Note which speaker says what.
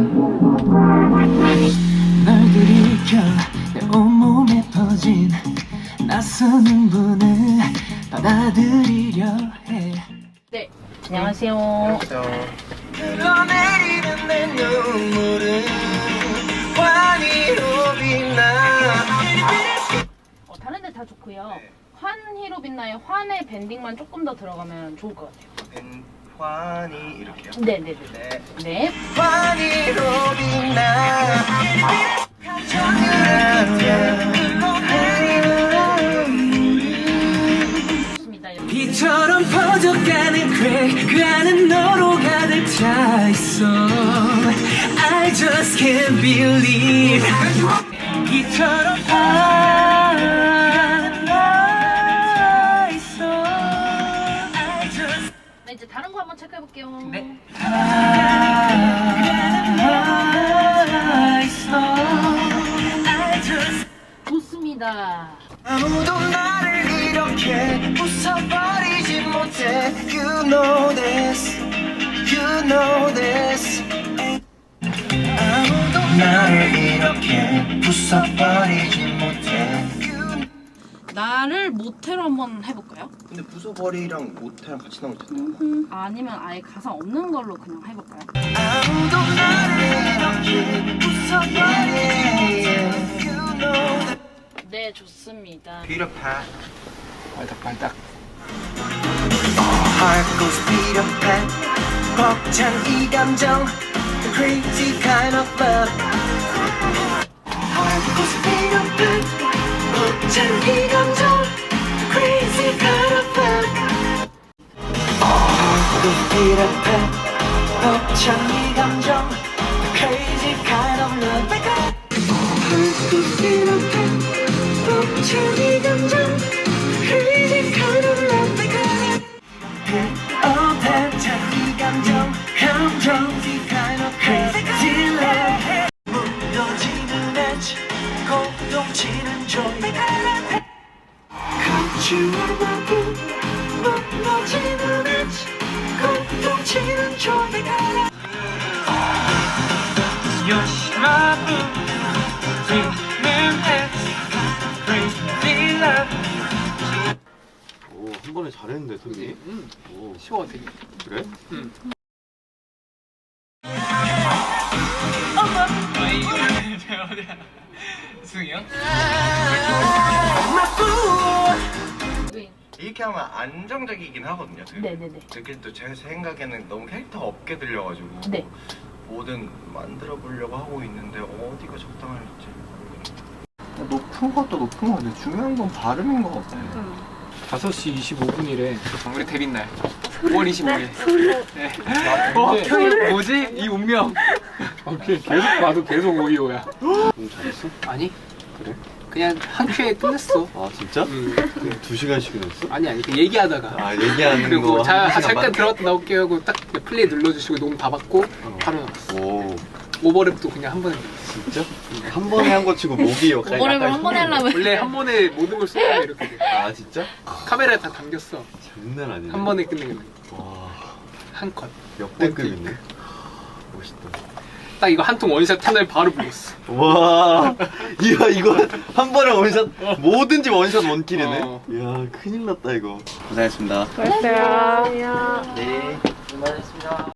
Speaker 1: 널 들이켜 내 온몸에 퍼진 낯선 흥분을 받아들이려 해.
Speaker 2: 네, 안녕하세요.
Speaker 1: 흘러내리는 내 눈물은 환희로 빛나.
Speaker 2: 다른 데 다 좋고요. 환희로 빛나요. 환의 밴딩만 조금 더 들어가면 좋을 것 같아요.
Speaker 3: 환희 이렇게요?
Speaker 2: 네네네.
Speaker 3: 네.
Speaker 2: 네.
Speaker 1: 환희로 빛나.
Speaker 2: 좋습니다.
Speaker 1: 비처럼 퍼져가는 그 안은 너로 가득 차 있어. I just can't believe. 비처럼 나 있어. I just.
Speaker 2: 네, 이제 다른 거 한번 체크해 볼게요.
Speaker 1: 네. 나 있어. I just.
Speaker 2: 좋습니다.
Speaker 1: 아무도 나를 이렇게 웃어버리지 못해. You know this, you know this. 아무도 나를 이렇게 웃어버리지 못해.
Speaker 2: 나를 모태로 한번 해볼까요?
Speaker 3: 근데 부숴버리랑 모태랑 같이 나오면 된다.
Speaker 2: 아니면 아예 가사 없는 걸로 그냥 해볼까요?
Speaker 1: 아무도 나를 이렇게 웃어버리지 못해. You know this.
Speaker 2: 네, 좋습니다.
Speaker 3: 비렵하.
Speaker 1: 발딱발딱. Heart goes beat up and 벅찬 이 감정, the crazy kind of love. Heart goes beat up and 벅찬 이 감정, the crazy kind of love. Heart goes beat up and 벅찬 이 감정, the crazy kind of love. Heart goes beat up and 벅찬 이 감정, crazy kind of love. 벅찬 이 감정, crazy kind of crazy love. 무너지는 엣지, 고동치는 joy. 감추어 마구 무너지는 엣지, 고동치는 joy. 요시마부 지는 엣지, crazy love.
Speaker 3: 오, 한 번에 잘했는데, 손이. 오,
Speaker 4: 쉬워 되게.
Speaker 3: 그래?
Speaker 4: 승이 형?
Speaker 2: 네.
Speaker 3: 이렇게 하면 안정적이긴 하거든요.
Speaker 2: 네네네.
Speaker 3: 그게 또 제 생각에는 너무 캐릭터 없게 들려가지고
Speaker 2: 네.
Speaker 3: 뭐든 만들어 보려고 하고 있는데 어디가 적당할지.
Speaker 4: 높은 것도 높은 건데 중요한 건 발음인 것 같아. 5시 25분이래. 우리 데뷔 날. 5월 25일. 네. 뭐지? 이 운명. 오케이. 계속 봐도 계속 오이오야.
Speaker 3: 너무 잘했어?
Speaker 4: 아니?
Speaker 3: 그래?
Speaker 4: 그냥 한 큐에 끝냈어.
Speaker 3: 아 진짜? 그럼 2시간씩이나 했어?
Speaker 4: 아니 그 얘기하다가.
Speaker 3: 아 얘기하는
Speaker 4: 그리고
Speaker 3: 거
Speaker 4: 잠깐
Speaker 3: 1시간
Speaker 4: 들어갔다 나올게요 하고 딱 플레이 눌러주시고 녹음 다 받고 바로 나갔어.
Speaker 3: 오
Speaker 4: 오버랩도 그냥 한 번에.
Speaker 3: 진짜? 한 번에 한 거 치고 목이 역할이
Speaker 2: 오버랩을
Speaker 3: 약간
Speaker 2: 한 번에 하려면
Speaker 4: 원래 한 번에 모든 걸 쏟으면 이렇게 돼.
Speaker 3: 아 진짜?
Speaker 4: 카메라에 다 담겼어.
Speaker 3: 장난 아니네.
Speaker 4: 한 번에 끝내는 거.
Speaker 3: 와
Speaker 4: 한 컷.
Speaker 3: 역대급이네. 멋있다.
Speaker 4: 딱 이거 한 통 원샷 하나에 바로 불렀어.
Speaker 3: 와, 이야 이거 한 번에 원샷 뭐든지 원샷 원킬이네.
Speaker 4: 어.
Speaker 3: 이야 큰일 났다 이거. 고생했습니다.
Speaker 2: 안녕하세요.
Speaker 3: 네.
Speaker 4: 고생하셨습니다.